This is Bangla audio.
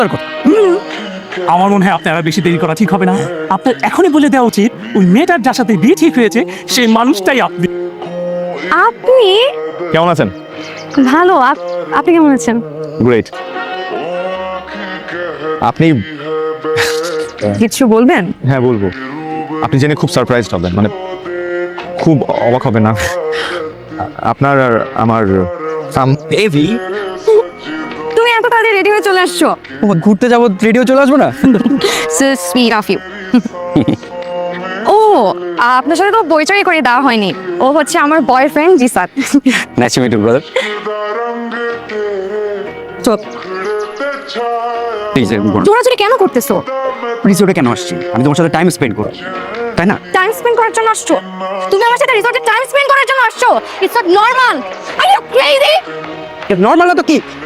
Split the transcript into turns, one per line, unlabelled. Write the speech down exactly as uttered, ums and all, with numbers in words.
কথা। আমার মনে হয় আপনারা বেশি দেরি করা ঠিক হবে না। আপনার এখনই বলে দেওয়া উচিত ওই মেয়েটার যার সাথে বিয়ে ঠিক হয়েছে সেই মানুষটাই আপনি।
আপনি
কেমন আছেন?
ভালো। আপ- আপনি কেমন আছেন?
গ্রেট। আপনি
কিছু বলবেন?
হ্যাঁ বলবো। আপনি জেনে খুব সারপ্রাইজড হবেন, মানে খুব অবাক হবেন না। আপনার আর আমার
বেবি,
তুমি এত তাড়াতাড়ি রেডি হয়ে চলে আসছো?
ঘুরতে যাবো, রেডিও চলে আসবো না?
So sweet of you. ও, আপনার সাথে তো পরিচয় করে দেওয়া হয়নি। ও হচ্ছে আমার boyfriend Jisat.
Nice to meet you brother.
জোরাজুরি কেন করতেছো?
রিসোর্টে কেন আসছি? আমি তোমার সাথে টাইম স্পেন্ড করব, তাই না?
টাইম স্পেন্ড করার জন্য আসছো? তুমি আমার সাথে রিসর্টে টাইম স্পেন্ড করার জন্য আসছো? It's not normal. Are you crazy?
Normal না তো কি?